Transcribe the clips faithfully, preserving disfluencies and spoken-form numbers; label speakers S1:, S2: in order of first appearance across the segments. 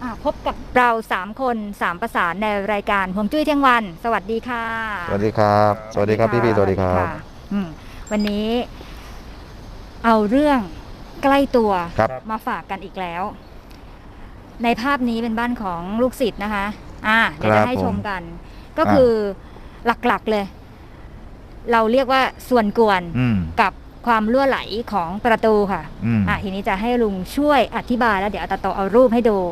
S1: พบกับเราสามคนสามประสานในรายการฮวงจุ้ยเที่ยงวันสวัสดีค่ะ
S2: สวัสดีครับสวัสดีครับพี่พี่สวัสดีครับ
S1: วันนี้เอาเรื่องใกล้ตัวมาฝากกันอีกแล้วในภาพนี้เป็นบ้านของลูกศิษย์นะคะอ่าเดี๋ยวจะให้ชมกันก็คือหลักๆเลยเราเรียกว่าส่วนกวนกับความรั่วไหลของประตูค่ะอ่าทีนี้จะให้ลุงช่วยอธิบายแล้วเดี๋ยวตาโตเอารูปให้ดู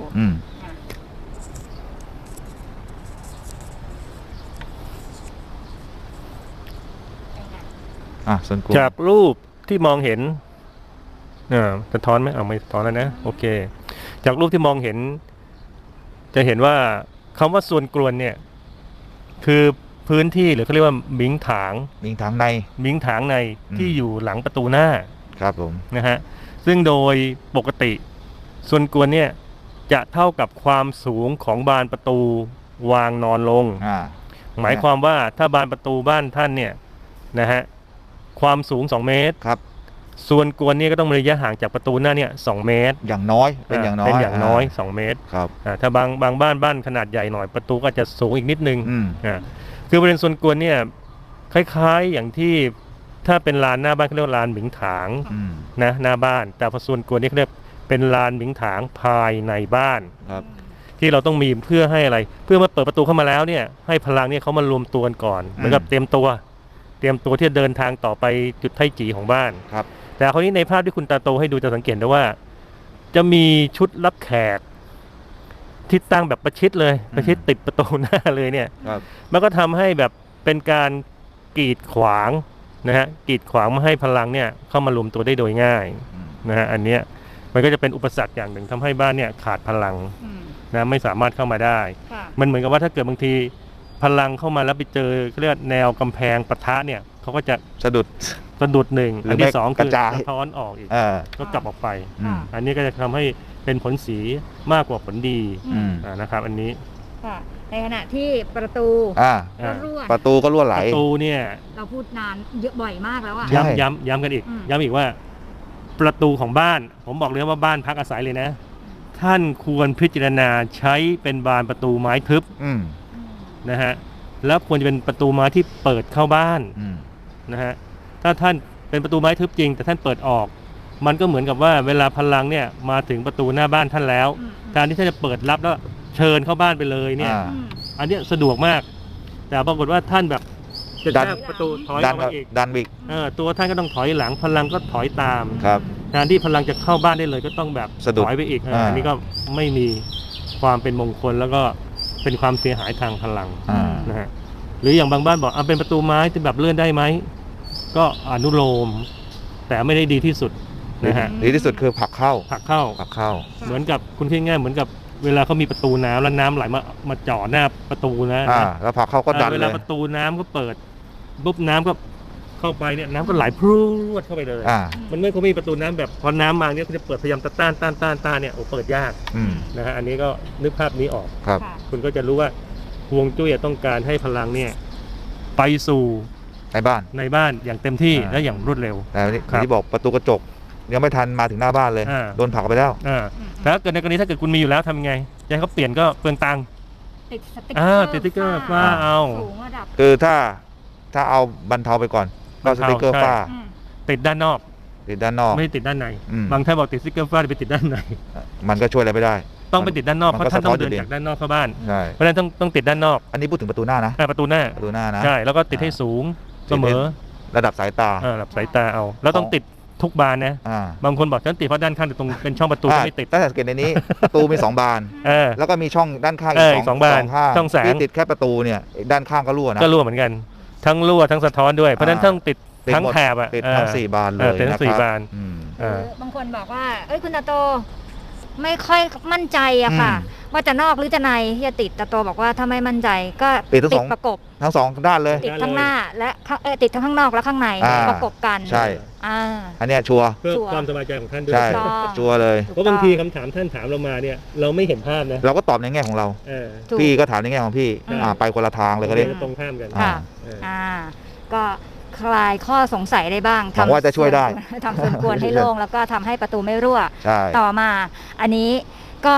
S3: จากรูปที่มองเห็นอ่าสะท้อนไหมเอาไม่สะท้อนแล้วนะโอเคจากรูปที่มองเห็นจะเห็นว่าคำว่าส่วนกลวนเนี่ยคือพื้นที่หรือเขาเรียกว่ามิงถาง
S2: มิงถางใน
S3: มิงถางในที่อยู่หลังประตูหน้า
S2: ครับผม
S3: นะฮะซึ่งโดยปกติส่วนกลวนเนี่ยจะเท่ากับความสูงของบานประตูวางนอนลงหมายความว่าถ้าบานประตูบ้านท่านเนี่ยนะฮะความสูงสองเมตรครับส่วนกวนนี่ก็ต้องมีระยะห่างจากประตูหน้าเนี่ยสองเมตร
S2: อย่างน้อยเป็นอย่างน้อย
S3: เป็นอย่างน้อยสองเมตร
S2: ครับ
S3: ถ้าบางบางบ้านบ้านขนาดใหญ่หน่อยประตูก็จะสูงอีกนิดนึงอ่าคือบริเวณส่วนกวนเนี่ยคล้ายๆอย่างที่ถ้าเป็นลานหน้าบ้านเขาเรียกว่าลานหมิงถางนะหน้าบ้านแต่พอส่วนกวนนี่เขาเรียกเป็นลานหมิงถางภายในบ้านครับที่เราต้องมีเพื่อให้อะไรเพื่อมาเปิดประตูเข้ามาแล้วเนี่ยให้พลังเนี่ยเขามารวมตัวกันก่อนเหมือนกับเตรียมตัวเตรียมตัวที่จะเดินทางต่อไปจุดไทจีของบ้านครับแต่คราวนี้ในภาพที่คุณตาโตให้ดูจะสังเกตได้ว่าจะมีชุดรับแขกที่ตั้งแบบประชิดเลยประชิดติดประตูหน้าเลยเนี่ยมันก็ทำให้แบบเป็นการกีดขวางนะฮะกีดขวางไม่ให้พลังเนี่ยเข้ามารวมตัวได้โดยง่ายนะฮะอันเนี้ยมันก็จะเป็นอุปสรรคอย่างหนึ่งทำให้บ้านเนี่ยขาดพลังนะไม่สามารถเข้ามาได้มันเหมือนกับว่าถ้าเกิดบางทีพลังเข้ามาแล้วไปเจอเรียกแนวกำแพงปะทะเนี่ยเขาก็จะ
S2: สะดุด
S3: สะดุดหนึ่งอันที่สองคือสะท้อนออกอีกก็กลับออกไปอันนี้ก็จะทำให้เป็นผลเสียมากกว่าผลดีนะครับอันนี้
S1: ในขณะที่ประตูก็รั่ว
S2: ประตูก็รั่วไหล
S3: ประตูเนี่ย
S1: เราพูดนานเยอะบ่อยมากแล้วอะ
S3: ย้ำย้ำย้ำกันอีกย้ำอีกว่าประตูของบ้านผมบอกเลยว่าบ้านพักอาศัยเลยนะท่านควรพิจารณาใช้เป็นบานประตูไม้ทึบนะฮะแล้วควรจะเป็นประตูไม้ที่เปิดเข้าบ้านนะฮะถ้าท่านเป็นประตูไม้ทึบจริงแต่ท่านเปิดออกมันก็เหมือนกับว่าเวลาพลังเนี่ยมาถึงประตูหน้าบ้านท่านแล้วการที่ท่านจะเปิดรับแล้วเชิญเข้าบ้านไปเลยเนี่ยอันนี้สะดวกมากแต่ปรากฏว่าท่านแบบจะดันประตูถอยออกมาอีก
S2: ดันบิก
S3: เออตัวท่านก็ต้องถอยหลังพลังก็ถอยตาม
S2: ครับ
S3: การที่พลังจะเข้าบ้านได้เลยก็ต้องแบบถอยไปอีกอันนี้ก็ไม่มีความเป็นมงคลแล้วก็เป็นความเสียหายทางพลังนะฮะหรืออย่างบางบ้านบอกเอาเป็นประตูไม้ที่แบบเลื่อนได้ไหมก็อนุโลมแต่ไม่ได้ดีที่สุดนะฮะ
S2: ดีที่สุดคือผลักเข้า
S3: ผลักเข้า
S2: ผลักเข้า
S3: เหมือนกับคุณคิดง่ายเหมือนกับเวลาเขามีประตูน้ำแล้วน้ำไหลมามาจ่อหน้าประตูนะ
S2: อ่าแล้วผลักเข้าก็ดันเลย
S3: เวลาประตูน้ำก็เปิดปุ๊บน้ำก็เข้าไปเนี่ยน้ำก็ไหลพรวดเข้าไปเลยมันไม่เขามีประตูน้ำแบบพอน้ำมาเนี่ยเขาจะเปิดพยายามต้านต้านต้านต้านเนี่ยโอ้เปิดยากนะฮะอันนี้ก็นึกภาพนี้ออกคุณก็จะรู้ว่าฮวงจุ้ยต้องการให้พลังเนี่ยไปสู่
S2: ในบ้าน
S3: ในบ้านอย่างเต็มที่และอย่างรวดเร็ว
S2: แต่ที่บอกประตูกระจกยังไม่ทันมาถึงหน้าบ้านเลยโดนผลักไปแล้ว
S3: แต่ถ้าเกิดในกรณีถ้าเกิดคุณมีอยู่แล้วทำยังไงจะให้เขาเปลี่ยนก็เปลืองตังค์
S1: ติดสติ๊กเกอร์
S3: ติดสติ๊กเกอร์ฝ้าเอา
S2: คือถ้าถ้าเอาบรรเทาไปก่อนก็สติ๊กเกอร์ฝ้า
S3: ติดด้านนอก
S2: ติดด้านนอก
S3: ไม่ติดด้านในบางท่านบอกติดสติ๊กเกอร์ฝ้าไปติดด้านใน
S2: มันก็ช่วยอะไรไม่ได้
S3: ต้องไปติดด้านนอกเพราะท่านต้องเดินจากด้านนอกเข้าบ้านเพราะฉะนั้นต้องต้องติดด้านนอก
S2: อันนี้พูดถึงประตูหน้านะ
S3: ประตูหน้า
S2: ประตูหน้านะ
S3: ใช่แล้วก็ติดให้สูงเสมอ
S2: ระดับสายตา
S3: ระดับสายตาเอาแล้วต้องติดทุกบานนะบางคนบอกฉันติดเพราะด้านข้างแต่ตรงเป็นช่องประตูไม่ติด
S2: ถ้าสังเกตในนี้ประตูมีสองบานแล้วก็มีช่องด้านข้าง
S3: อีกสองบานช่องแสง
S2: ที่ติดแค่ประตูเนี่ยด้านข้างก็รั่วนะ
S3: ก็รั่วเหมือนกันทั้งรั่วทั้งสะท้อนด้วยเพราะฉะนั้นต้องติดทั้งแถบอ่ะ
S2: ติดทั้งสี่บานเลย
S3: ติดทั้งสี่บาน
S1: บางคนบอกว่าเอ้ยคุณตาโตไม่ค่อยมั่นใจอะค่ะว่าจะนอกหรือจะในที่จะติดตาโตบอกว่าถ้าไม่มั่นใจก็
S2: ติดทั้ง
S1: ประกบ
S2: ทั้งสองด้านเลย
S1: ติดทั้งหน้าและติดทั้งข้างนอกและข้างในประกบกัน
S2: ใช่อันนี้ชัวร์
S3: เพื่อความสบายใจของท่านด้วย
S2: ใช่ชัวร์เลย
S3: เพราะบางทีคำถามท่านถามเรามาเนี่ยเราไม่เห็นภาพนะ
S2: เราก็ตอบในแง่ของเราพี่ก็ถามในแง่ของพี่ไปคนละทางเลยก็ได้
S3: ตรงข้ามกัน
S1: ก็คลายข้อสงสัยได้บ้าง
S2: ทำว่าจะช่วยได้
S1: ทำส่วนกวนให้โล่งแล้วก็ทำให้ประตูไม่รั่วต่อมาอันนี้ก็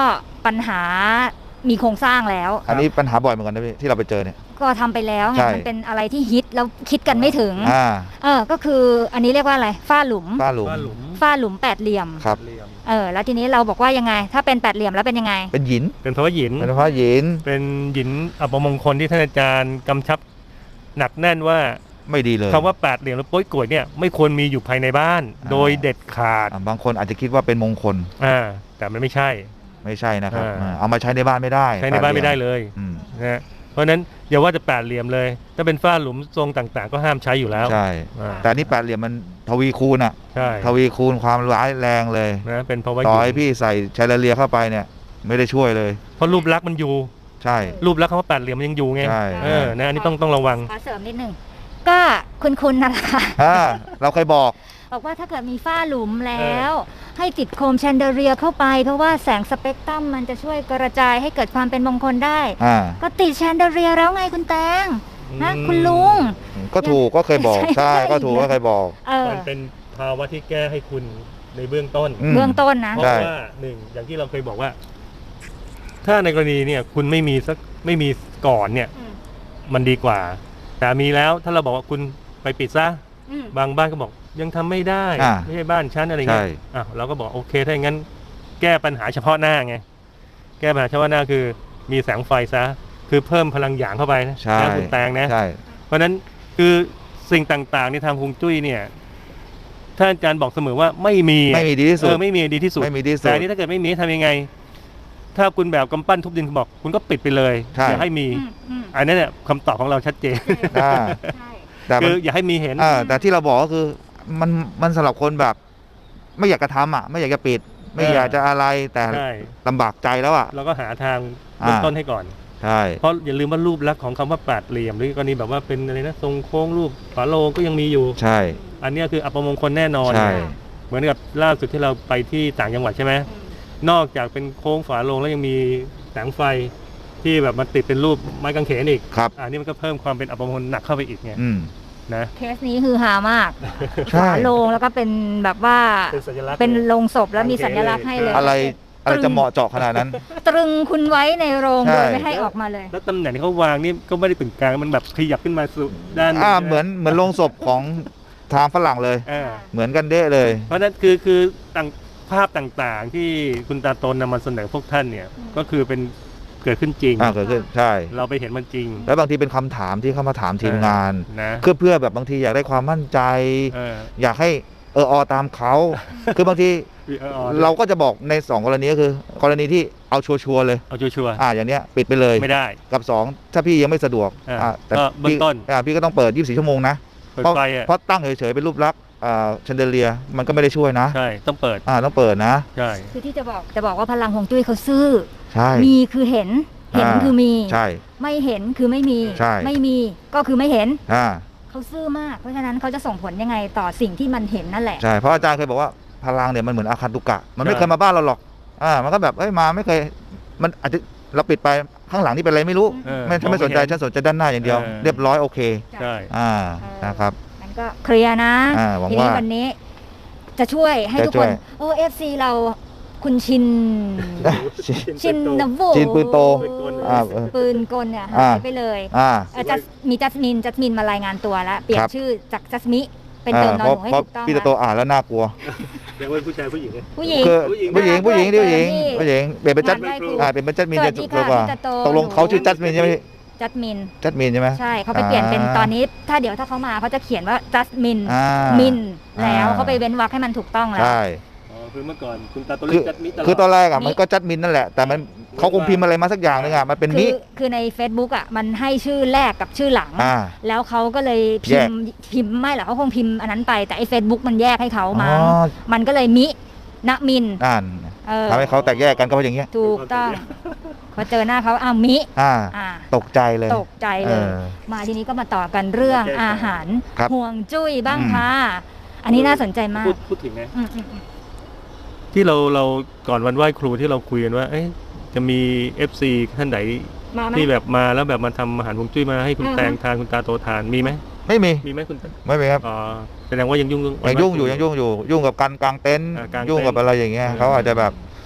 S1: ปัญหามีโครงสร้างแล้ว
S2: อันนี้ปัญหาบ่อยเหมือนกันนะพี่ที่เราไปเจอเนี่ย
S1: ก็ทำไปแล้วไง
S2: ใช่
S1: มันเป็นอะไรที่ฮิตแล้วคิดกันไม่ถึง
S2: อ่า
S1: เออก็คืออันนี้เรียกว่าอะไรฝ้าหลุม
S2: ฝ้าหลุม
S3: ว่าหลุม
S1: ฝ้าหลุมแปดเหลี่ยม
S2: ครับ
S3: เหลี่ยม
S1: เออแล้วทีนี้เราบอกว่ายังไง ถ้าเป็นแปดเหลี่ยมแล้วเป็นยังไง
S2: เป็นหิน
S3: เป็นเพราะว่าหยิน
S2: เป็นเพราะหิน
S3: เป็นหยินอัปมงคลที่ท่านอาจารย์กำชับหนักแน่นว่า
S2: ไม่ดีเลย
S3: คำว่าแปดเหลี่ยมหรือโป้ยกลวยเนี่ยไม่ควรมีอยู่ภายในบ้าน
S2: อ่า
S3: โดยเด็ดขาด
S2: อ่าบางคนอาจจะคิดว่าเป็นมงคล
S3: อ่าแต่มันไม่ใช่
S2: ไม่ใช่นะครับ
S3: อ่า
S2: อ่าเอามาใช้ในบ้านไม่ได้
S3: ใช้ในบ้านไม่ได้เลย
S2: อืม
S3: นะฮะเพราะฉะนั้นอย่าว่าจะแปดเหลี่ยมเลย ถ้าเป็นฝ้าหลุมทรงต่างๆ ก็ห้ามใช้อยู่แล้ว
S2: ใช่
S3: อ่า
S2: แต่อันนี่แปดเหลี่ยมมันทวีคูณอ่ะ
S3: ใช่
S2: ทวีคูณความร้ายแรงเลย
S3: นะเป็นเพราะว่า
S2: ต่อ
S3: ห
S2: ให้
S3: ยิน
S2: พี่ใส่แชนเดอเลียร์เข้าไปเนี่ยไม่ได้ช่วยเลย
S3: เพราะรูปลักษณ์มันอยู่
S2: ใช่
S3: รูปลักษณ์คำว่าแปดเหลี่ยมมันยังอยู่ไง
S2: ใช่
S3: เออนะอันนี้ต้องต้องระวัง
S1: ขอเสริมนิดนึงก็คุณคุณนั่นแหละค่ะ
S2: อ่าเราเคยบอก
S1: บอกว่าถ้าเกิดมีฝ้าหลุมแล้ว ให้ติดโคมแชนเดอเรียเข้าไป เพราะว่าแสงสเปกตรัมมันจะช่วยกระจายให้เกิดความเป็นมงคลได้
S2: อ่า
S1: ก็ติดแชนเดอเรียแล้วไงคุณแตงนะ
S3: อืม
S1: คุณลุง
S2: ก็ถูกก็เคยบอก
S1: ใช่
S2: ใช่ก็ถูกก็เคยบอก
S1: เออ
S3: มันเป็นภาวะที่แก้ให้คุณในเบื้องต้น
S2: อืม
S1: เบื้องต้นนะ
S3: เพราะ
S2: ใช่
S3: ว่าหนึ่งอย่างที่เราเคยบอกว่า ถ้าในกรณีเนี่ย คุณไม่มีสักไม่มีก่อนเนี่ย
S1: อืม
S3: มันดีกว่า แต่มีแล้วถ้าเราบอกว่าคุณไปปิดซะ
S1: อืม
S3: บางบ้านก็บอกยังทำไม่ได้
S2: อ่า
S3: ไม่ใช่บ้านฉันอะไรเงี้ย
S2: ใช่
S3: อ่ะเราก็บอกโอเคถ้าอย่างนั้น แก้ปัญหาเฉพาะหน้าไงแก้ปัญหาเฉพาะหน้าคือมีแสงไฟซะ คือเพิ่มพลังหยางเข้าไปนะ
S2: ใช่
S3: นะคุณแตงนะ
S2: ใช่
S3: เพราะฉะนั้นคือสิ่งต่างๆในทางฮวงจุ้ยเนี่ยท่านอาจารย์บอกเสมอว่าไม่มี
S2: ไม่มีดีที่สุ
S3: เอ
S2: ด
S3: อไม่มีดีที่สุด
S2: ไม่มีดีที่สุ
S3: แต่
S2: ด
S3: อันนี้ถ้าเกิดไม่มีทำยังไง ถ้าคุณแบบกำปั้นทุบดินคุณบอก คุณก็ปิดไปเลย
S2: ใช่
S3: อย่าให้มี
S1: อืมอืม
S3: อันนั้นเนี่ยคำตอบของเราชัดเจน
S2: อ่า
S1: ใช่
S2: แต่
S3: คื
S2: มัน
S3: ออย่าให้มีเห็น
S2: อ่าแต่ที่เราบอกก็คือมันมันสำหรับคนแบบ ไม่อยากจะทำอ่ะ ไม่อยากจะปิด ไม่
S3: เออ
S2: อ
S3: อ
S2: ยากจะอะไรแต่
S3: ใช่
S2: ลำบากใจแล้วอ่ะ
S3: เราก็หาทางเริ่ม
S2: อ่า
S3: ต้นให้ก่อน
S2: ใช่
S3: เพราะอย่าลืมว่ารูปลักษณ์ของคำว่าแปดเหลี่ยมหรือกรณีแบบว่าเป็นอะไรนะทรงโค้งรูปฝาโลงก็ยังมีอยู่
S2: ใช่
S3: อันเนี้ยคืออัปมงคลแน่นอน
S2: ใช่
S3: เหมือนกับล่าสุดที่เราไปที่ต่างจังหวัดใช่ไหม
S1: อืม
S3: นอกจากเป็นโค้งฝาโลงแล้วยังมีแสงไฟที่แบบมันติดเป็นรูปไม้กางเขนอีก
S2: ครับ
S3: อันนี้มันก็เพิ่มความเป็นอัปมงคลหนักเข้าไปอีกไง
S2: อืม
S3: นะ
S1: เคสนี้คือฮามาก
S2: ใช่
S1: ฝาโลงแล้วก็เป็นแบบว่า
S3: เป็นสัญลักษณ์
S1: เป็นโลงศพแล้วมีสัญลักษณ์ให้เลย
S2: อะไรอะไรจะเหมาะเจาะขนาดนั้น
S1: ตรึงคุณไว้ในโรง
S2: ใช่
S1: โดยไม่ให้ออกมาเลย
S3: แล้วตำแหน่งที่เขาวางนี่ก็ไม่ได้ตึงกลางมันแบบขยับขึ้นมาสู่ด้าน
S2: อ่า
S3: ใช่ไ
S2: เหมือนเหมือนโรงศพของทางฝรั่งเลย
S3: อ่า
S2: เหมือนกันเด้เลย
S3: เพราะฉะนั้นคือคือต่างภาพต่างๆ ที่คุณตาโตนนำมาเสนอพวกท่านเนี่ย
S1: อืม
S3: ก็คือเป็นเกิดขึ้นจริง
S2: อ่าเกิดขึ้นใช่
S3: เราไปเห็นมันจริง
S2: แล้วบางทีเป็นคำถามที่เข้ามาถามทีมงาน
S3: นะ
S2: เพื่อเพื่อแบบบางทีอยากได้ความมั่นใจ
S3: เออ
S2: อยากให้เอออตามเขา คือบางที
S3: เอออ
S2: เราก็จะบอกในสองกรณีก็คือ กรณีที่เอาชัวร์ๆเลย
S3: เอาชัวร์
S2: อ่าอย่างเนี้ยปิดไปเลย
S3: ๆไม่ได้
S2: กับสองถ้าพี่ยังไม่สะดวก
S3: อ่า
S2: อ่าแต่
S3: ก็เบื้อง
S2: พี่
S3: ต้น
S2: อ่าพี่ก็ต้องเปิดยี่สิบสี่ชั่วโมงนะ
S3: เปิด
S2: เพราะ
S3: ไฟอ่ะ
S2: เพราะตั้งเฉยๆเป็นรูปลักษณ์อ่าแชนเดอเลียร์มันก็ไม่ได้ช่วยนะ
S3: ใช่ต้องเปิด
S2: อ่าต้องเปิดนะ
S3: ใช่
S1: คือที่จะบอกจะบอกว่าพลังฮวงจุ้ยเขาซื่อ
S2: ใช่
S1: มีคือเห็น เห็น
S2: อ่า
S1: คือมี
S2: ใช่
S1: ไม่เห็นคือไม่มี
S2: ใช่
S1: ไม่มีก็คือไม่เห็น
S2: อ่า
S1: เขาซื่อมาก เพราะฉะนั้นเขาจะส่งผลยังไงต่อสิ่งที่มันเห็นนั่นแหละ
S2: ใช่เพราะอาจารย์เคยบอกว่าพลังเนี่ยมันเหมือนอาคันตุกะ มันไม่เคยมาบ้านเราหรอกอ่ามันก็แบบเอ้ยมาไม่เคยมันอาจจะเราปิดไปข้างหลังนี่เป็นอะไรไม่รู้
S3: เออ
S2: ไม่ถ้าไม่สนใจฉันสนใจด้านหน้าอย่างเดียว
S3: เออ
S2: เรียบร้อยโอเค
S3: ใช่
S2: อ่า
S1: เออ
S2: นะครับ
S1: มันก็เคลียร์นะ
S2: อ่าหวัง
S1: ทีนี้
S2: ว่า
S1: วันนี้ จะช่วยให้
S2: จะ
S1: ทุก
S2: ช่
S1: ค
S2: วย
S1: นโอ้เอฟซีเราคุณชิน ชินนโว
S2: จีนปืนโตอ่าเออ
S1: ปืนกลเนี่ย
S2: อ่า
S1: หายไปเลย
S2: อ่า
S1: เอ่อจัสมีจัสมินจัสมินมารายงานตัวแล้ว เปลี่ย
S2: คน รับ
S1: ชื่อจากจัสมิ เป็นเติมนอนหนูให้
S2: เพราะ
S1: ถูกต้อง
S2: พี่ตะโต
S1: นะ
S2: อ่านแล้วน่ากลัว
S3: เรียกว่าผู้ชายผู้หญิงเนี่ย
S1: ผู้หญิง
S2: คือ
S3: ผู้หญิง
S2: ผู้หญิงผู้หญิง
S1: ด้
S2: ผู้
S1: วย
S2: หญิง
S1: นี่
S2: ผู้หญิงเปลี่ยนเป็นจัด
S1: ได้ครู
S2: อ่าเป็นเป็นจัดมิน
S1: สวั
S2: จะ
S1: สดี
S2: ถูกกว่า
S1: ค่ะพี่ตะโต
S2: ตกลงเขาชื่อจัดมินใช่ไหมพี่
S1: จัสมิน
S2: จัดมินใช่ไหม
S1: ใช่เขาไปเปลี่ยนเป็น
S2: อ่า
S1: ตอนนี้ ถ้าเดี๋ยวถ้าเขามาเขาจะเขียนว่าจัสมิน
S2: อ่า
S1: มินแล้ว
S2: อ่า
S1: เขาไปเว้นวรรคให้มันถูกต้องแล้ว
S2: ใช่
S3: อ๋อคือเมื่อก่อนคุณตาโต
S2: คื
S3: เรีย
S2: อก
S3: จัดมิตลอด
S2: คือตอนแรกอ่ะ
S1: มิ
S2: มันก็จัดมินนั่นแหละ แต่มันเขาคงพิมพ์อะไรมาสักอย่างนึงอ่ะมันเป็น
S1: คื
S2: มิ
S1: อคือใน Facebook อ่ะมันให้ชื่อแรกกับชื่อหลัง
S2: อ่า
S1: แล้วเขาก็เลยพิมพ์พิมพ์ไม่หรอกเขาคงพิมพ์อันนั้นไปแต่ไอ้ Facebook มันแยกให้เขามา
S2: อ๋อ
S1: มันก็เลยมิณมิน
S2: อ่าน
S1: เออ
S2: ทำให้เขาแตกแยกกันก็เพราะอย่างเงี้ย
S1: ถูกต้องพอเจอหน้าเขาอ้าวมิ
S2: อ่า
S1: อ่า
S2: ตกใจเลย
S1: ตกใจเลย
S2: เออ
S1: มาทีนี้ก็มาต่อกันเรื่อง
S3: โอเค
S1: อาหาร
S2: ครับ
S1: ห่วงจุ้ยบ้าง
S2: อืม
S1: ค่ะ อันนี้น่าสนใจมาก
S3: พูดพูดถึงนะ
S1: อืมอืมอืม
S3: ที่เราเราก่อนวันไหว้ครูที่เราคุยกันว่า เอ๊ะจะมี เอฟ ซี ท่านไหน
S1: มาไหม
S3: ที่แบบมาแล้วแบบมาทำอาหารฮวงจุ้ยมาให้คุณ
S1: อือฮึ
S3: แตงทานคุณตาโตทานมีไหม
S2: ไม่มี
S3: มีไหมคุณตา
S2: ไม่มีครับ
S3: อ๋อแสดงว่ายังยุ่ง
S2: ยังยุ่งอยู่ยังยุ่งอยู่ ยุ่งกับการกางเต็นท์
S3: อ่ากางเต็นท์
S2: ยุ่งกับอะไรอย่างเงี้ย
S3: อืม
S2: เขาอาจจะแบบ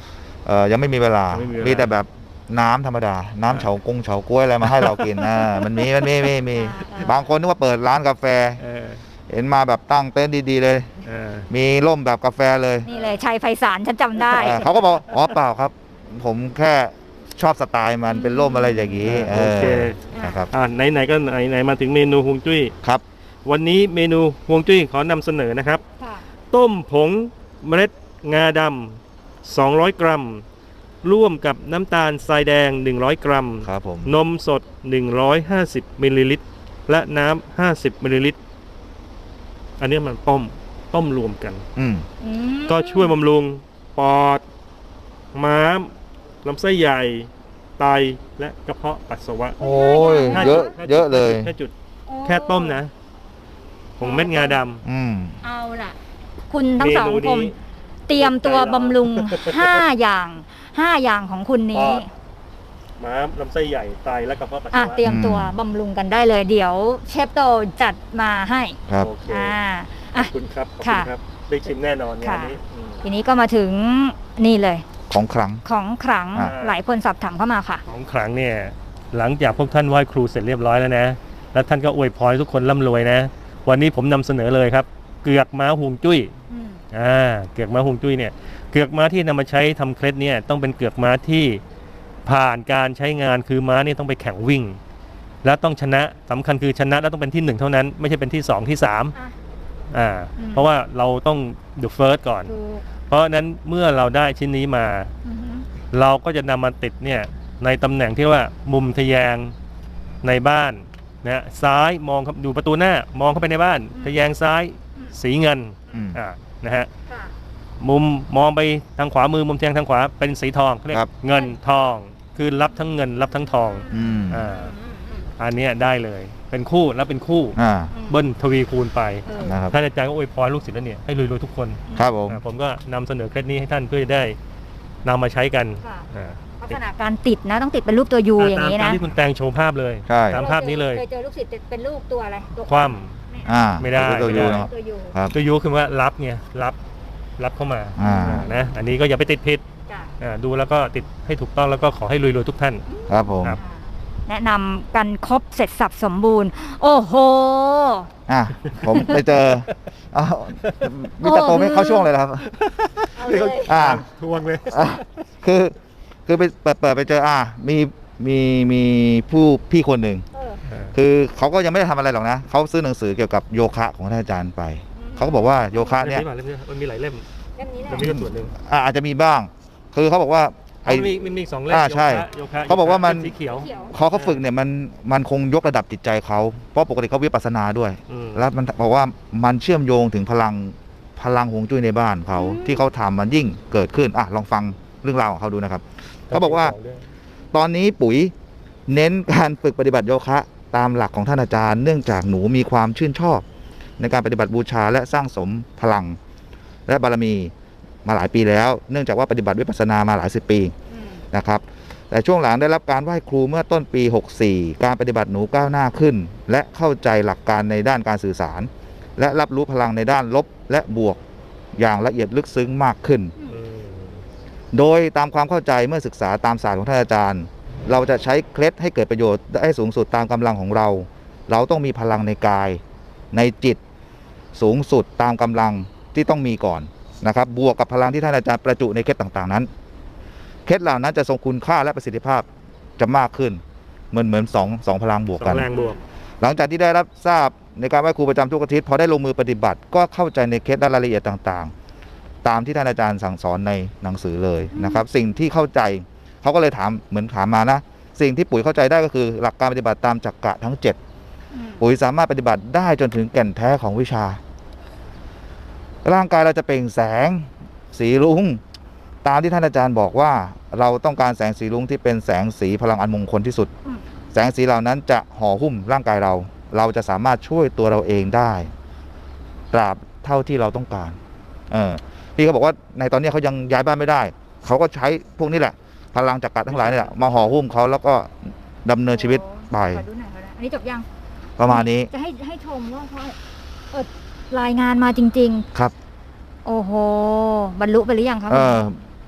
S2: เออยังไม่มีเวลา
S3: ยังไม่มีเวลามี
S2: มีแต่แบบน้ำธรรมดา น้ำเฉากงเฉาก้วยอะไรมาให้เรากินอ่ามันมีมันมีมีมีบางคนนึกว่าเปิดร้านกาแฟ
S3: เออ
S2: เห็นมาแบบตั้งเต็นท์ดีๆเลย
S3: เออ
S2: มีร่มแบบกาแฟเลย
S1: นี่เลยชัยไพศาลฉันจำได้
S2: เออเขาก็บอกอ๋อเปล่าครับ ผมแค่ชอบสไตล์มันเป็นร่มอะไรอย่างนี้
S3: โอเค
S2: นะครับ
S3: อ่าไหนๆก็ไหนๆมาถึงเมนูฮวงจุ้ย
S2: ครับ
S3: วันนี้เมนูฮวงจุ้ยขอนำเสนอนะครับ
S1: ค่ะ
S3: ต้มผงเมล็ดงาดำสองร้อยกรัม ร่วมกับน้ำตาลทรายแดง หนึ่งร้อย กรัม
S2: ครับผม
S3: นมสด หนึ่งร้อยห้าสิบ มิลลิลิตร และน้ำ ห้าสิบ มิลลิลิตร อันนี้มันต้ม ต้มรวมกัน
S2: อืม
S1: อืม
S3: ก็ช่วยบำรุงปอด ม้ามลำไส้ใหญ่ ไต และกระเพาะปัสสาวะ
S2: โอ้ย
S3: ห้า
S2: เยอะ
S3: จุด
S2: เยอะเลย
S3: แค่จุด
S1: โอ้
S3: แค่ต้มนะ ผงเม็ดงาด
S2: อืม
S1: เอาล่ะ คุณทั้งสอง
S3: เมนูนี้
S1: คนเตรียมตัวบำรุงห้าอย่างห้าอย่างของคุณ
S3: ำป
S1: นี้
S3: อด ม้ามลำไส้ใหญ่ ไต และกระเพาะปัส
S1: อ่ะ
S3: สาวะ
S1: เตรียมตัวบำรุงกันได้เลย เดี๋ยวเชฟโตจัดมาให้
S2: ครับ
S3: โอเค
S1: อ่า
S3: ข
S1: อ่ะ
S3: อบคุณครับ ขอบ
S1: ค่ะ
S3: คุณครับ ได้ชิมแน่นอนงาน
S1: ค่ะ
S3: นี้อืม
S1: ทีนี้ก็มาถึงนี่เลย
S2: ของครั้ง
S1: ของขลัง
S2: อ่ะ
S1: หลายคนสอบถามเข้ามาค่ะ
S3: ของขลังเนี่ย หลังจากพวกท่านไหว้ครูเสร็จเรียบร้อยแล้วนะ แล้วท่านก็อวยพรให้ทุกคนร่ำรวยนะ วันนี้ผมนำเสนอเลยครับ เกือกม้าฮวงจุ้ย
S1: อืม
S3: อ่า เกือกม้าฮวงจุ้ยเนี่ย เกือกม้าที่นำมาใช้ทำเคล็ดเนี่ยต้องเป็นเกือกม้าที่ผ่านการใช้งานคือม้าเนี่ยต้องไปแข่งวิ่ง แล้วต้องชนะสำคัญคือชนะแล้วต้องเป็นที่หนึ่งเท่านั้น ไม่ใช่เป็นที่สองที่สาม
S1: อ่ะ
S3: อ่า
S1: อืม
S3: เพราะว่าเราต้อง the first ก่อน
S1: ถูก
S3: เพราะฉะนั้นเมื่อเราได้ชิ้นนี้มา
S1: อือฮึ
S3: เราก็จะนำมาติดเนี่ยในตำแหน่งที่ว่ามุมทะแยงในบ้านนะซ้ายมองเข้าดูประตูหน้ามองเข้าไปในบ้าน ทะแยงซ้ายสีเงิน
S2: อืม
S3: อ่านะฮะ
S1: ค่ะ
S3: มุมมองไปทางขวามือมุมทะแยงทางขวาเป็นสีทองเขาเรียก
S2: ครับ
S3: เงินทอง คือรับทั้งเงินรับทั้งทอง
S2: อืม
S3: อ่า
S1: อืมอืม
S3: อันเนี้ยได้เลยเป็นคู่แล้วเป็นคู่
S2: อ่า
S1: อืม
S3: เบิ้ลทวีคูณไป
S1: เออ
S2: นะครับ
S3: ท่านอาจารย์ก็อวยพรลูกศิษย์แล้วเนี่ยให้รวยๆทุกคน
S2: ครับผม
S3: อ่าผมก็นำเสนอเคล็ดนี้ให้ท่านเพื่อจะได้นำมาใช้กัน
S1: ค่ะ
S3: อ่า
S1: ลักษณะการติดนะ ต้องติดเป็นรูปตัวยูอย่างนี้
S3: ตาม
S1: นะ
S3: ที่คุณแตงโชว์ภาพเลย
S2: ใช่
S3: ตามภาพนี้เลย
S1: เคยเจอลูกศิษย์เป็นรูปตัวอะไรตัว
S3: คว่
S2: อ่า
S3: ไม่ได้
S2: ตัวยู
S3: ไม่ได้
S2: นะครับ
S1: ตัวยู
S2: ครับ
S3: ตัวยูคือว่ารับไงรับรับเข้ามา
S2: อ่า
S3: อ่านะอันนี้ก็อย่าไปติดผิด
S1: จ้ะ
S3: อ่าดูแล้วก็ติดให้ถูกต้องแล้วก็ขอให้รวยๆทุกท่าน
S2: ครับผม
S3: ครับ
S1: แนะนำกันครบเสร็จสับสมบูรณ์ โอ้โห
S2: อ่ะผมไปเจออ้าวมิสเตอร์โตไม่เข้าช่วงเลยเหรอครับ
S1: เอาเลย
S2: อ่า
S3: ทวงเลย
S2: อ่ะคือคือไปเปิดเปิดไปเจออ่ามีมีมีผู้พี่คนหนึ่ง
S1: เออ
S2: คือเขาก็ยังไม่ได้ทำอะไรหรอกนะเขาซื้อหนังสือเกี่ยวกับโยคะของท่านอาจารย์ไป เขาก็บอกว่าโยคะเนี่ย
S3: เล่มนี้มาเล่มนี้มันมีหลายเล่ม
S1: เล่มนี้แหละ
S3: เล่มนี้ก็ส่วนหนึ่ง
S2: อ่ะอาจจะมีบ้าง คือเขาบอกว่าไอ
S3: มันมีมันมีสองเล่ม
S2: อ่าใช่
S3: โยคะ
S2: เขาบอกว่ามัน
S3: โยคะสีเขียว
S1: เขียว
S2: เขาเขาฝึกเนี่ยมันมันคงยกระดับจิตใจเขาเพราะปกติเขาวิปัสสนาด้วย
S3: อืม
S2: แล้วมันบอกว่ามันเชื่อมโยงถึงพลังพลังฮวงจุ้ยในบ้านเขาที่เขาทำมันยิ่งเกิดขึ้นอ่ะลองฟังเรื่องราวของเขาดูนะครับ เขาบอกว่า ตอนนี้ปุ๋ยเน้นการฝึกปฏิบัติโยคะตามหลักของท่านอาจารย์ เนื่องจากหนูมีความชื่นชอบ ในการปฏิบัติบูชาและสร้างสมพลัง และบารมีมาหลายปีแล้ว เนื่องจากว่าปฏิบัติวิปัสสนามาหลายสิบปี
S1: อืม
S2: นะครับ แต่ช่วงหลังได้รับการไหว้ครูเมื่อต้นปี หกสี่ การปฏิบัติหนูก้าวหน้าขึ้น และเข้าใจหลักการในด้านการสื่อสาร และรับรู้พลังในด้านลบและบวกอย่างละเอียดลึกซึ้งมากขึ้น
S3: อืม
S2: โดยตามความเข้าใจเมื่อศึกษาตามศาสตร์ของท่านอาจารย์ เราจะใช้เคล็ดให้เกิดประโยชน์ได้สูงสุดตามกำลังของเรา เราต้องมีพลังในกาย ในจิตสูงสุดตามกำลังที่ต้องมีก่อนนะครับ บวกกับพลังที่ท่านอาจารย์ประจุในเคล็ดต่างๆนั้น เคล็ดเหล่านั้นจะทรงคุณค่าและประสิทธิภาพจะมากขึ้น เหมือนเหมือนสองสองพลังบวก
S3: สอ
S2: กัน
S3: งแรงบวก
S2: หลังจากที่ได้รับทราบในการไหว้ครูประจำทุกอาทิตย์พอได้ลงมือปฏิบัติ ก็เข้าใจในเคล็ดและรายละเอียดต่างๆ ตามที่ท่านอาจารย์สั่งสอนในหนังสือเลยนะครับ สิ่งที่เข้าใจเขาก็เลยถามเหมือนถามมานะ สิ่งที่ปุ๋ยเข้าใจได้ก็คือหลักการปฏิบัติตามจักระทั้งเจ็ด
S1: อืม
S2: ปุ๋ยสามารถปฏิบัติได้จนถึงแก่นแท้ของวิชา ร่างกายเราจะเปล่งแสงสีรุ้งตามที่ท่านอาจารย์บอกว่า เราต้องการแสงสีรุ้งที่เป็นแสงสีพลังอันมงคลที่สุด
S1: อืม
S2: แสงสีเหล่านั้นจะห่อหุ้มร่างกายเรา เราจะสามารถช่วยตัวเราเองได้ตราบเท่าที่เราต้องการ เออพี่เขาบอกว่าในตอนนี้เขายังย้ายบ้านไม่ได้ เขาก็ใช้พวกนี้แหละ พลังจักรทั้งหลายนี่แหละมาห่อหุ้มเขาแล้วก็ดำเนินชีวิตไป
S1: ขอดูหน่อยขอดูหน่อยอันนี้จบยัง
S2: ประมาณนี้
S1: จะให้ให้ชมว่าเขาเออรายงานมาจริง
S2: ครับ
S1: ๆ โอ้โห บรรลุไปหรือยังครับ
S2: เออ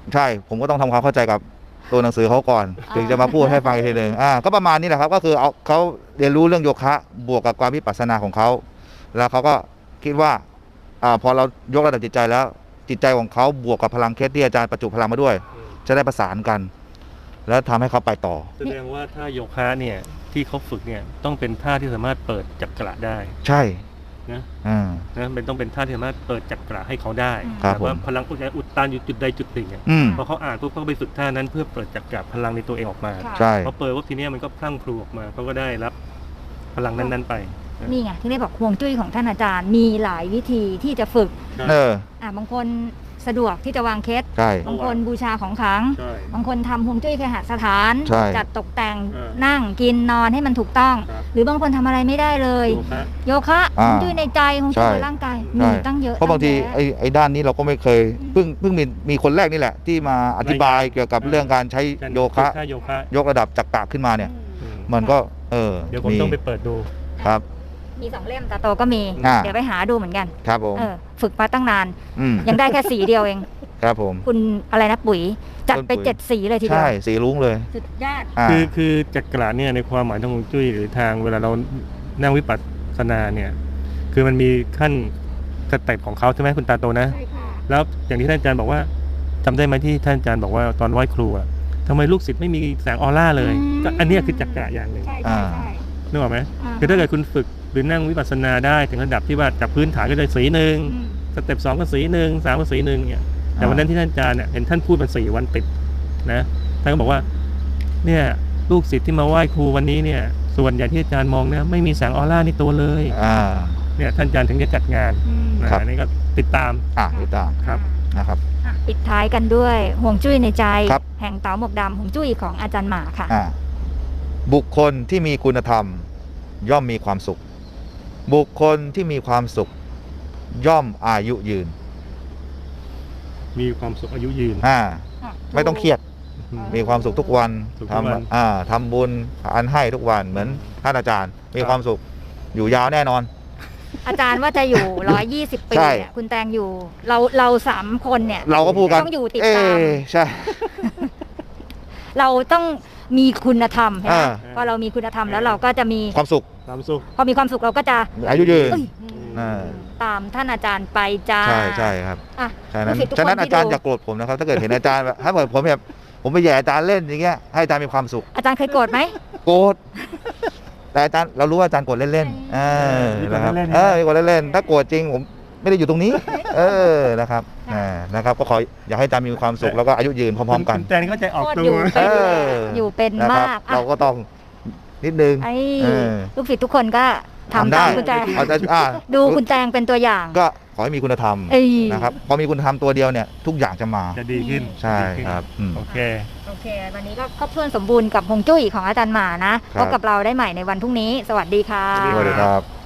S2: ใช่ผมก็ต้องทำความเข้าใจกับตัวหนังสือเขาก่อน
S1: อ่า
S2: ถึงจะมาพูดให้ฟังอีกทีหนึ่งอ่าก็ประมาณนี้แหละครับก็คือเอาเขาเรียนรู้เรื่องโยคะบวกกับความวิปัสสนาของเขาแล้วเขาก็คิดว่าอ่าพอเรายกระดับจิตใจแล้วจิตใจของเขาบวกกับพลังเคสที่อาจารย์ประจุพลังมาด้วย จะได้ประสานกัน แล้วทำให้เขาไปต่อ
S3: แสดงว่าถ้าโยคะเนี่ยที่เขาฝึกเนี่ยต้องเป็นท่าที่สามารถเปิดจักระได้
S2: ใช่
S3: นะ
S2: อ่า
S3: นะเป็นต้องเป็นท่าที่สามารถเปิดจักระให้เขาได้
S2: ครับ
S3: แต่ว่า
S2: ผม
S3: พลังอุดอุดตันอยู่จุดใดจุดหนึ่งเนี่ย
S2: อืม
S3: พอเขาอ่านปุ๊บเขาก็ไปฝึกท่านั้นเพื่อเปิดจักระพลังในตัวเองออกมา
S1: ค่ะ
S2: ใช่
S3: พอเปิดว่าทีเนี้ยมันก็พลั่งพลูออกมาเขาก็ได้รับพลังนั้นๆไป
S1: นี่ไงที่ได้บอกห่วงจุ้ยของท่านอาจารย์มีหลายวิธีที่จะฝึก
S2: เออ
S1: อ่ะบางคนสะดวกที่จะวางเคส
S2: ใช่
S1: บางคนบูชาของขลัง
S3: ใช่
S1: บางคนทำฮวงจุ้ยเคหสถาน
S2: ใช่
S1: จัดตกแต่ง
S3: เออ
S1: นั่งกินนอนให้มันถูกต้อง
S3: ครับ
S1: หรือบางคนทำอะไรไม่ได้เลย
S3: โยคะ
S1: โยคะฮ
S2: อ่าว
S1: งจุ้ยในใจฮวงจุ้ย
S2: ใช่
S1: ในร่างกาย
S2: ใช่
S1: มีตั้งเยอะ
S2: เพราะบางที
S1: ตั้แยะ
S2: ไอ้ไอ้ด้านนี้เราก็ไม่เคยเพิ่งเพิ่งมีมีคนแรกนี่แหละ ที่มาอธิบายเกี่ยวกับเรื่องการใช้โยคะ
S3: ท่าโยคะ
S2: ยกระดับจักระขึ้นมาเนี่ย
S3: อืม
S2: มันก็ เออ
S3: เดี๋ยวผมต้องไปเปิดดู
S2: ครับ
S1: มีสองเล่มตาโตก็มี
S2: อ่า
S1: เดี๋ยวไปหาดูเหมือนกัน
S2: ครับผม
S1: เออฝึกมาตั้งนาน
S2: อืม
S1: ยังได้แค่สีเดียวเอง
S2: ครับผม
S1: คุณอะไรนะปุ๋ย จัดไป
S2: คุณปุ๋ย
S1: เจ็ดสีเลยทีเดีย
S2: ใช่
S1: ว
S2: สีรุ้งเลย
S1: สุดยอด
S2: อ่า
S3: คือคือจักระเนี่ยในความหมายทางฮวงจุ้ยหรือทางเวลาเรานั่งวิปัสสนาเนี่ยคือมันมีขั้นสเต็ปของเขาใช่ไหมคุณตาโตนะ
S1: ใช่ค่ะ
S3: แล้วอย่างที่ท่านอาจารย์บอกว่าจำได้ไหมที่ท่านอาจารย์บอกว่าตอนไหว้ครูอะทำไมลูกศิษย์ไม่มีแสงออร่าเลย
S1: อืม
S3: ก็อันเนี้ยคือจักระอย่างหนึ่ง
S1: ใช่ใช่ใช่
S3: นึกออกไหม
S1: อ่า
S3: คือถ้าเกิดคุณฝึกหรือนั่งวิปัสสนาได้ถึงระดับที่ว่าจากพื้นฐานก็จะสีหนึ่ง
S1: อืม
S3: สเต็ปสองก็สีหนึ่งสามก็สีหนึ่งเนี่ยแต่วันนั้นที่ท่านอาจารย์เนี่ยเห็นท่านพูดมาสี่วันติดนะท่านก็บอกว่าเนี่ยลูกศิษย์ที่มาไหว้ครูวันนี้เนี่ยส่วนใหญ่ที่อาจารย์มองเนี่ยไม่มีแสงออร่าในตัวเลย
S2: อ่า
S3: เนี่ยท่านอาจารย์ถึงจะจัดงาน
S1: อืม
S3: นะครับ อันนี้ก็ติดตาม
S2: อ่ะติดตาม
S3: ครับ
S2: นะครับ
S1: อ่ะปิดท้ายกันด้วยห่วงจุ้ยในใจ
S2: ครับ
S1: แห่งเต๋าหมวกดำห่วงจุ้ยของอาจารย์หมาค่ะ
S2: อ่าบุคคลที่มีคุณธรรม ย่อมมีความสุข บุคคลที่มีความสุข ย่อมอายุยืน
S3: มีความสุขอายุยืน
S2: อ่า ไม่ต้องเครียด มีความสุขทุกวัน
S3: สุขทุกวัน
S2: ทำอ่าทำบุญอันให้ทุกวันเหมือนท่านอาจารย์ มีความสุขอยู่ยาวแน่นอน
S1: อาจารย์ว่าจะอยู่ ร้อยยี่สิบ ปี
S2: ใช่
S1: เนี่ยคุณแตงอยู่ เราเราสามคนเนี่ย
S2: เราก็พูดกัน
S1: ต้องอยู่ติด
S2: เอ๊
S1: ตาม
S2: ะใช่
S1: เราต้องมีคุณธรรมใช่ไหม
S2: อ่า
S1: พอเรามีคุณธรรมแล้วเราก็จะมี
S2: ความสุข
S3: ความสุข
S1: พอมีความสุขเราก็จะ
S2: อายุยืน
S1: เอ้ย
S2: อ่า
S1: ตามท่านอาจารย์ไปจ้า
S2: ใช่ใช่ครับ
S1: อ่ะ
S2: ฉะนั้น
S1: ลูกศิษย์ทุก
S2: ฉะนั้น
S1: คนที่
S2: อาจารย์
S1: ดู
S2: อย่าโกรธผมนะครับ ถ้าเกิดเห็นอาจารย์แบบถ้าเกิดผมแบบผมไปแย่อาจารย์เล่นอย่างเงี้ยให้อาจารย์มีความสุข
S1: อาจารย์เคยโกรธไหม
S2: โกรธแต่อาจารย์เรารู้ว่าอาจารย์โกรธเล่นๆเออ
S3: มีโกรธ
S2: นะครับ
S3: เล่นๆ
S2: เออมีโกรธเล่นๆถ้าโกรธจริงผมไม่ได้อยู่ตรงนี้ เออนะครับอ่านะครับ ก็ขออยากให้อาจารย์มีความสุขแล้วก็อายุยืนพร้อมๆกัน
S3: คุณแตนก็ใจออก
S1: โคตร
S3: ตั
S1: อยู่
S3: ว
S1: เป็น
S2: เออ
S1: อยู่เป็น
S2: นะครับ
S1: มากอ่ะ
S2: เราก็ต้องนิดนึง
S1: ไอ้
S2: เออ
S1: ลูกศิษย์ทุกคนก็ทำ
S2: ทำได้
S1: ตามคุณแจง
S2: เอาแต่อ่า
S1: ดูคุณแจงเป็นตัวอย่าง
S2: ก็ขอให้มีคุณธรรม
S1: เอ้ย
S2: นะครับพอมีคุณธรรมตัวเดียวเนี่ยทุกอย่างจะมา
S3: จะดีขึ้น
S2: ใช่
S3: ดีขึ้น
S2: ครับอืม
S3: โอเค
S1: โอเค วันนี้ก็ครบถ้วนสมบูรณ์กับฮวงจุ้ยของอาจารย์หมานะ
S2: ครั
S1: พ
S2: บ
S1: บกับเราได้ใหม่ในวันพรุ่งนี้ สวัสดีค่ะ
S3: สวัสดี
S2: สวัสดีครับ